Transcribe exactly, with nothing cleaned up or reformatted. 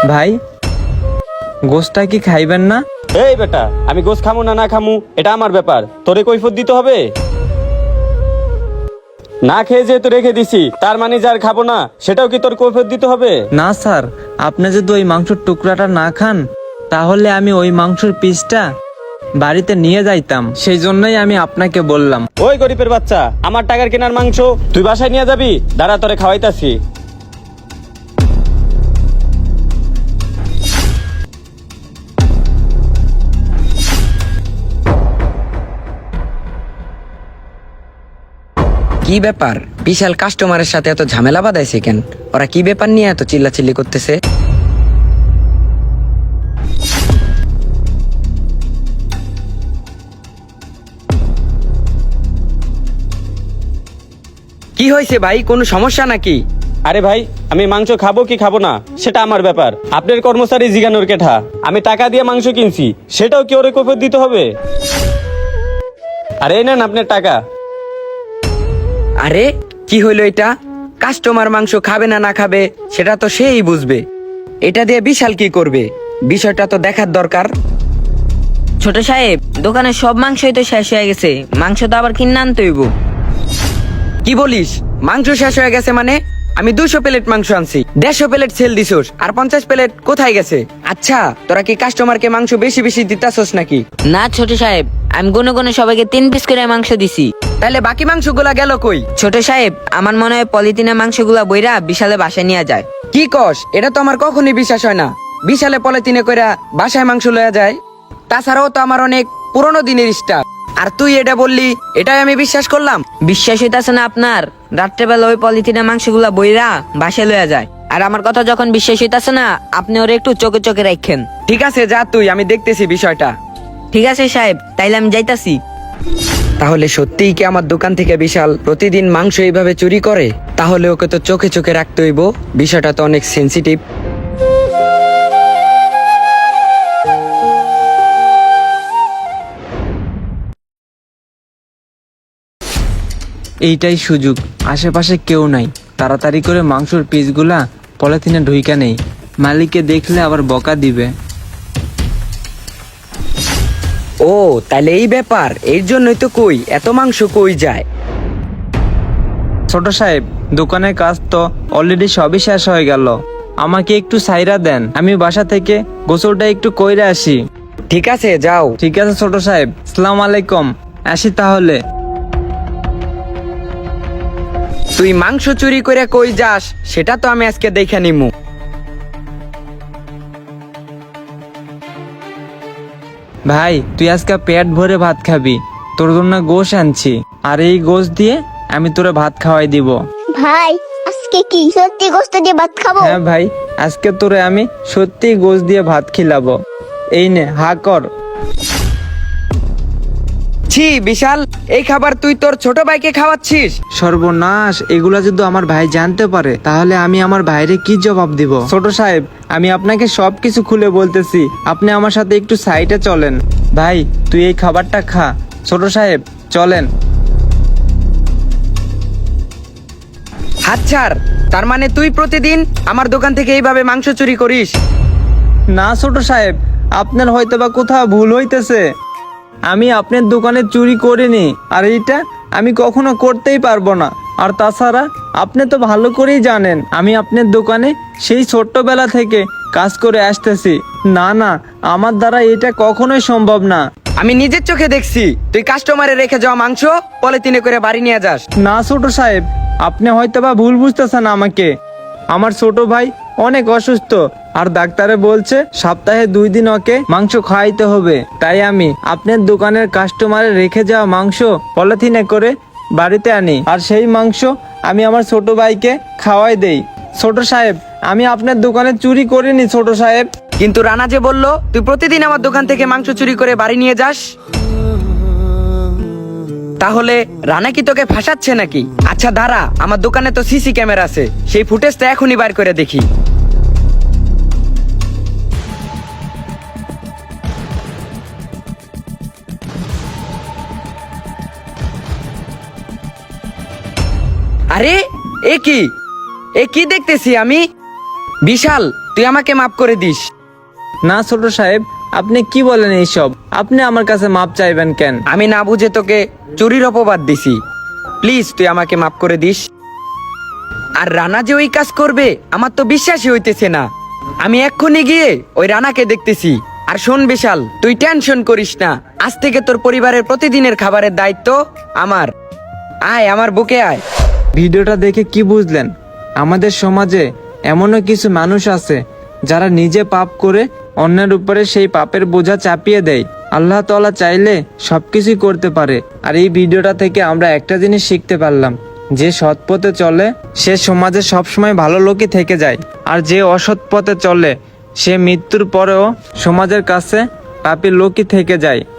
ভাই গোশটা কি খাইবেন না? এই বেটা, আমি গোশ খামু না না খামু এটা আমার ব্যাপার, তোরে কৈফিয়ত দিতে হবে? না খেয়ে যেহেতু রেখে দিছি, তার মানে যার খাবো না সেটাও কি তোর কৈফিয়ত দিতে হবে? না স্যার, আপনি যদি ওই মাংসের টুকরাটা না খান তাহলে আমি ওই মাংসের পিসটা বাড়িতে নিয়ে যাইতাম, সেই জন্যই আমি আপনাকে বললাম। ওই গরিবের বাচ্চা, আমার টাকার কেনার মাংস তুই বাসায় নিয়ে যাবি? দাঁড়া, তোরে খাওয়াইতাছি। কি ব্যাপার? বিশাল কাস্টমারের সাথে এত ঝামেলা বাঁধাইছে কেন? ওরা কি ব্যাপার নিয়ে এত চিল্লাচিল্লি করতেছে? কি হয়েছে ভাই, কোনো সমস্যা নাকি? আরে ভাই, আমি মাংস খাবো কি খাবো না সেটা আমার ব্যাপার, আপনার কর্মচারী জিগানোর কেঠা। আমি টাকা দিয়ে মাংস কিনছি, সেটাও কি ওরে কৈফিয়ত দিতে হবে? আরে এই নেন আপনার টাকা। আরে কি হইলো এটা? কাস্টমার মাংস খাবে না না খাবে সেটা তো সেই বুঝবে, এটা দিয়ে বিশাল কি করবে বিষয়টা তো দেখার দরকার। ছোট সাহেব, দোকানের সব মাংসই তো শেষ হয়ে গেছে, মাংস তো আবার কিনে আনতে হইব। কি বলিস? মাংস শেষ হয়ে গেছে মানে? আমি দুশো প্লেট মাংস আনছি, দেড়শো প্লেট সেল দিছোস, আর পঞ্চাশ প্লেট কোথায় গেছে? আচ্ছা, তোরা কি কাস্টমারকে মাংস বেশি বেশি দিতাছস নাকি? না ছোট সাহেব, আমি গুনে গুনে সবাইকে তিন পিস করে মাংস দিছি। তাহলে বাকি মাংসগুলা গেল কই? ছোট সাহেব, আমার মনে হয় পলিথিনে মাংসগুলা বইরা বিশালে বাসায় নিয়ে যায়। কি কস? এটা তো আমার কখনই বিশ্বাস হয় না। বিশালে পলিথিনে কইরা বাসায় মাংস লয়া যায়? তাছাড়াও তো আমার অনেক পুরনো দিনের স্টাফ, আর তুই এটা বললি, এটাই আমি বিশ্বাস করলাম। বিশ্বাস হইতাছে না আপনার? রাত্রেবেলা ওই পলিথিনে মাংসগুলা বইরা বাসায় লইয়া যায়, আর আমার কথা যখন বিশ্বাস হইতাছে না, আপনি ওরে একটু চোখে চোখে রাখেন। ঠিক আছে, যা তুই, আমি দেখতেছি বিষয়টা। ঠিক আছে সাহেব, তাইলে আমি যাইতাছি। তাহলে সত্যিই কি আমার দোকান থেকে বিশাল প্রতিদিন মাংস এইভাবে চুরি করে? তাহলে ওকে তো চোখে চোখে রাখতে হইব, বিষয়টা তো অনেক সেন্সিটিভ। এইটাই সুযোগ, আশেপাশে কেউ নাই, তাড়াতাড়ি করে মাংসের পিসগুলা পলিথিনে ঢুইকা নেই, মালিককে দেখলে আবার বকা দিবে। ও তাহলে এই ব্যাপার, এর জন্যই তো কই এত মাংস কই যায়। ছোট সাহেব, দোকানের কাজ তো অলরেডি সবই শেষ হয়ে গেল, আমাকে একটু সাইরা দেন, আমি বাসা থেকে গোসলটা একটু কইরা আসি। ঠিক আছে, যাও। ঠিক আছে ছোট সাহেব, আসসালামু আলাইকুম, আসি তাহলে। তুই মাংস চুরি করে কই যাস সেটা তো আমি আজকে দেখে নিমু। ভাই তুই আজকে পেট ভরে ভাত খাবি, তোর জন্য গোশ আনছি, আর এই গোশ দিয়ে আমি তোরে ভাত খাওয়াই দিব। ভাই আজকে কি সত্যি গোস্ত দিয়ে ভাত খাবো? হ্যাঁ ভাই, আজকে তোরে আমি সত্যি গোশ দিয়ে ভাত খিলাবো। এই নে, হা কর। ছি বিশাল, এই খাবার তুই তোর ছোট ভাইকে খাওয়াচ্ছিস? সর্বনাশ, এগুলা যদি আমার ভাই জানতে পারে তাহলে আমি আমার ভাইরে কি জবাব দিব? ছোট সাহেব, আমি আপনাকে সবকিছু খুলে বলতেছি, আপনি আমার সাথে একটু সাইডে চলেন। ভাই তুই এই খাবারটা খা। ছোট সাহেব চলেন। হাত ছাড়। তার মানে তুই প্রতিদিন আমার দোকান থেকে এইভাবে মাংস চুরি করিস? না ছোট সাহেব, আপনার হয়তো বা কোথাও ভুল হইতেছে, আমি আপনার দোকানে চুরি করিনি, আর এইটা আমি কখনো করতেই পারবো না। আর তাছাড়া আপনি তো ভালো করেই জানেন আমি আপনার দোকানে সেই ছোট্টবেলা থেকে কাজ করে আসতেছি। না না, আমার দ্বারা এটা কখনোই সম্ভব না। আমি নিজের চোখে দেখছি তুই কাস্টমারে রেখে যাওয়া মাংস পলিথিনে করে বাড়ি নিয়ে যাস। না ছোট সাহেব, আপনি হয়তো বা ভুল বুঝতেছেন আমাকে। আমার ছোট ভাই অনেক অসুস্থ, আর ডাক্তারে বলছে সপ্তাহে দুই দিন ওকে মাংস খাওয়াইতে হবে, তাই আমি আপনার দোকানের কাস্টমারে রেখে যাওয়া মাংস পলিথিনে করে বাড়িতে আনি, আর সেই মাংস আমি আমার ছোট ভাইকে খাওয়াই দেই। ছোট সাহেব, আমি আপনার দোকানে চুরি করিনি ছোট সাহেব। কিন্তু রানা যে বললো তুই প্রতিদিন আমার দোকান থেকে মাংস চুরি করে বাড়ি নিয়ে যাস, তাহলে রানা কি তোকে ফাঁসাচ্ছে নাকি? আচ্ছা দাঁড়া, আমার দোকানে তো সিসি ক্যামেরা আছে, সেই ফুটেজটা এখনই বার করে দেখি। আরে এ কি, এ কি দেখতেছি আমি? বিশাল, তুই আমাকে মাফ করে দিস। না ছোট সাহেব, আপনি কি বলেন এইসব? আপনি আমার কাছে মাপ চাইবেন কেন? আমি না বুঝে তোকে চুরির অপবাদ দিছি, প্লিজ তুই আমাকে মাফ করে দিস। আর রানা যে ওই কাজ করবে আমার তো বিশ্বাসই হইতেছে না। আমি এক্ষুনি গিয়ে ওই রানাকে দেখতেছি। আর শোন বিশাল, তুই টেনশন করিস না, আজ থেকে তোর পরিবারের প্রতিদিনের খাবারের দায়িত্ব আমার। আয় আমার বুকে আয়। ভিডিওটা দেখে কি বুঝলেন? আমাদের সমাজে এমনও কিছু মানুষ আছে যারা নিজে পাপ করে অন্যের উপরে সেই পাপের বোঝা চাপিয়ে দেয়। আল্লাহ তাআলা চাইলে সবকিছুই করতে পারে। আর এই ভিডিওটা থেকে আমরা একটা জিনিস শিখতে পারলাম, যে সৎ পথে চলে সে সমাজে সবসময় ভালো লোকই থেকে যায়, আর যে অসৎ পথে চলে সে মৃত্যুর পরেও সমাজের কাছে পাপী লোকই থেকে যায়।